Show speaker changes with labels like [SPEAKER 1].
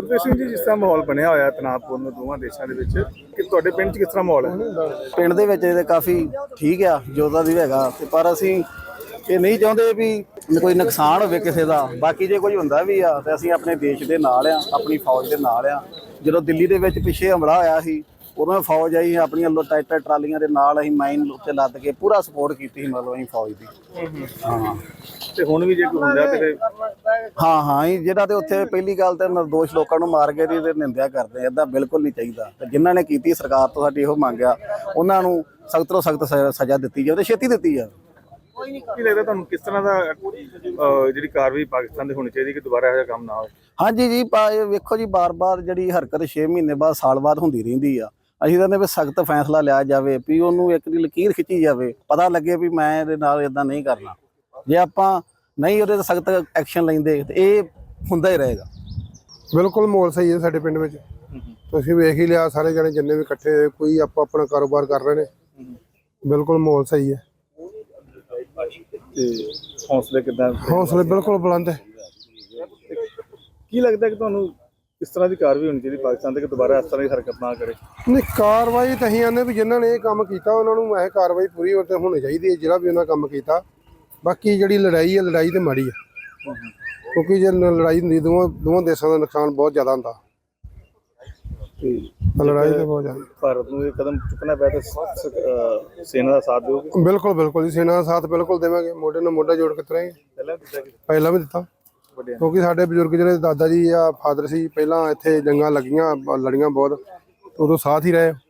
[SPEAKER 1] ਗੁਰਪ੍ਰੀਤ ਸਿੰਘ ਜੀ, ਜਿਸ ਤਰ੍ਹਾਂ ਮਾਹੌਲ ਬਣਿਆ ਹੋਇਆ ਤਣਾਅਪੂਰਨ ਦੋਵਾਂ ਦੇਸ਼ਾਂ ਦੇ ਵਿੱਚ, ਕਿ ਤੁਹਾਡੇ ਪਿੰਡ 'ਚ ਕਿਸ ਤਰ੍ਹਾਂ ਮਾਹੌਲ ਹੈ?
[SPEAKER 2] ਪਿੰਡ ਦੇ ਵਿੱਚ ਇਹਦੇ ਕਾਫੀ ਠੀਕ ਆ ਜੋਦਾ ਦੀ ਹੈਗਾ ਤੇ ਪਰ ਅਸੀਂ ਇਹ ਨਹੀਂ ਚਾਹੁੰਦੇ ਵੀ ਕੋਈ ਨੁਕਸਾਨ ਹੋਵੇ ਕਿਸੇ ਦਾ। ਬਾਕੀ ਜੇ ਕੋਈ ਹੁੰਦਾ ਵੀ ਆ ਤੇ ਅਸੀਂ ਆਪਣੇ ਦੇਸ਼ ਦੇ ਨਾਲ ਆ, ਆਪਣੀ ਫੌਜ ਦੇ ਨਾਲ ਆ। ਜਦੋਂ ਦਿੱਲੀ ਦੇ ਵਿੱਚ ਪਿੱਛੇ ਹਮਲਾ ਹੋਇਆ ਸੀ ਉਦੋਂ ਫੌਜ ਆਈ ਆਪਣੀਆਂ ਟਰੈਕਟਰ ਟਰਾਲੀਆਂ ਦੇ ਨਾਲ, ਅਸੀਂ ਮਾਈਨ ਉੱਤੇ ਲੱਦ ਕੇ ਪੂਰਾ ਸਪੋਰਟ ਕੀਤੀ ਸੀ ਮਤਲਬ ਅਸੀਂ ਫੌਜ ਦੀ। ਹਾਂ
[SPEAKER 1] ਤੇ ਹੁਣ ਵੀ ਜੇ ਕੋਈ ਹੁੰਦਾ ਤੇ
[SPEAKER 2] ਹਾਂ ਜਿਹੜਾ ਤੇ ਉੱਥੇ ਪਹਿਲੀ ਗੱਲ ਤੇ ਨਿਰਦੋਸ਼ ਲੋਕਾਂ ਨੂੰ ਮਾਰ ਕੇ ਤੇ ਨਿੰਦਿਆ ਕਰਦੇ, ਏਦਾਂ ਬਿਲਕੁਲ ਨਹੀਂ ਚਾਹੀਦਾ। ਤੇ ਜਿਨ੍ਹਾਂ ਨੇ ਕੀਤੀ ਸਰਕਾਰ ਤੋਂ ਸਾਡੀ ਇਹੋ ਮੰਗ ਆ, ਉਹਨਾਂ ਨੂੰ ਸਖਤ ਤੋਂ ਸਖਤ ਸਜ਼ਾ ਦਿੱਤੀ ਜਾਵੇ ਤੇ ਛੇਤੀ ਦਿੱਤੀ ਜਾਵੇ।
[SPEAKER 1] ਕੀ ਲੱਗਦਾ ਤੁਹਾਨੂੰ ਕਿਸ ਤਰ੍ਹਾਂ ਦਾ ਜਿਹੜੀ ਕਾਰਵਾਈ ਪਾਕਿਸਤਾਨ ਦੀ ਹੋਣੀ ਚਾਹੀਦੀ ਕਿ ਦੁਬਾਰਾ ਇਹੋ ਜਿਹਾ ਕੰਮ ਨਾ ਹੋਵੇ?
[SPEAKER 2] ਹਾਂਜੀ ਜੀ, ਵੇਖੋ ਜੀ, ਬਾਰ-ਬਾਰ ਜਿਹੜੀ ਹਰਕਤ 6 ਮਹੀਨੇ ਬਾਅਦ ਸਾਲ ਬਾਅਦ ਹੁੰਦੀ ਰਹਿੰਦੀ ਆ। ਅਸੀਂ ਕਹਿੰਦੇ ਵੀ ਸਖਤ ਫੈਸਲਾ ਲਿਆ ਜਾਵੇ, ਵੀ ਉਹਨੂੰ ਇੱਕ ਦੀ ਲਕੀਰ ਖਿੱਚੀ ਜਾਵੇ, ਪਤਾ ਲੱਗੇ ਵੀ ਮੈਂ ਇਹਦੇ ਨਾਲ ਇਦਾਂ ਨਹੀਂ ਕਰਨਾ। ਜੇ ਆਪਾਂ ਨਹੀਂ ਉਹਦੇ ਤੇ ਸਖਤ ਐਕਸ਼ਨ ਲੈਂਦੇ ਤੇ ਇਹ ਹੁੰਦਾ ਹੀ ਰਹੇਗਾ।
[SPEAKER 3] ਬਿਲਕੁਲ ਮਾਹੌਲ ਸਹੀ ਹੈ ਸਾਡੇ ਪਿੰਡ ਵਿੱਚ। ਤੁਸੀਂ ਵੇਖ ਹੀ ਲਿਆ, ਸਾਰੇ ਜਣੇ ਜਿੰਨੇ ਵੀ ਇਕੱਠੇ ਹੋਏ, ਕੋਈ ਆਪਣਾ ਕਾਰੋਬਾਰ ਕਰ ਰਹੇ ਨੇ। ਬਿਲਕੁਲ ਮਾਹੌਲ ਸਹੀ ਹੈ
[SPEAKER 1] ਤੇ ਹੌਸਲੇ ਕਿੱਦਾਂ?
[SPEAKER 3] ਹੌਸਲੇ ਬਿਲਕੁਲ ਬੁਲੰਦ ਹੈ।
[SPEAKER 1] ਕੀ ਲੱਗਦਾ ਕਿ ਤੁਹਾਨੂੰ ਕਿਸ ਤਰ੍ਹਾਂ ਦੀ ਕਾਰਵਾਈ ਹੋਣੀ ਚਾਹੀਦੀ ਪਾਕਿਸਤਾਨ ਤੇ ਕਿ ਦੁਬਾਰਾ ਇਸ ਤਰ੍ਹਾਂ ਦੀ ਹਰਕਤ ਨਾ ਕਰੇ?
[SPEAKER 3] ਨਹੀਂ, ਕਾਰਵਾਈ ਤਾਂ ਅਸੀਂ ਆਨੇ ਵੀ ਜਿਨ੍ਹਾਂ ਨੇ ਇਹ ਕੰਮ ਕੀਤਾ ਉਹਨਾਂ ਨੂੰ ਇਹ ਕਾਰਵਾਈ ਪੂਰੀ ਤੇ ਹੋਣੀ ਚਾਹੀਦੀ ਹੈ, ਜਿਹੜਾ ਵੀ ਉਹਨਾਂ ਕੰਮ ਕੀਤਾ। ਬਾਕੀ ਜਿਹੜੀ ਲੜਾਈ ਹੈ, ਲੜਾਈ ਤੇ ਮਾੜੀ ਹੈ, ਕਿਉਂਕਿ ਜੇ ਲੜਾਈ ਹੁੰਦੀ ਦੋਵਾਂ ਦੇਸ਼ਾਂ ਦਾ ਨੁਕਸਾਨ ਬਹੁਤ ਜ਼ਿਆਦਾ ਹੁੰਦਾ। ਲੜਾਈ ਤੇ ਬਹੁਤ ਜ਼ਿਆਦਾ।
[SPEAKER 1] ਭਾਰਤ ਨੂੰ ਇਹ ਕਦਮ ਚੁੱਕਣਾ ਪਿਆ ਤਾਂ ਸੈਨਾ ਦਾ ਸਾਥ ਦਿਓਗੇ?
[SPEAKER 3] ਬਿਲਕੁਲ ਬਿਲਕੁਲ ਜੀ, ਸੈਨਾ ਦਾ ਸਾਥ ਬਿਲਕੁਲ ਦੇਵਾਂਗੇ। ਮੋਢੇ ਨਾਲ ਮੋਢਾ ਜੋੜ ਕੇ ਤੁਰਾਂਗੇ। ਪਹਿਲਾਂ ਵੀ ਦਿੱਤਾ, ਕਿਉਂਕਿ ਸਾਡੇ ਬਜ਼ੁਰਗ ਜਿਹੜੇ ਦਾਦਾ ਜੀ ਆ, ਫਾਦਰ ਸੀ, ਪਹਿਲਾਂ ਇੱਥੇ ਜੰਗਾਂ ਲੱਗੀਆਂ, ਲੜੀਆਂ ਬਹੁਤ, ਉਦੋਂ ਸਾਥ ਹੀ ਰਹੇ।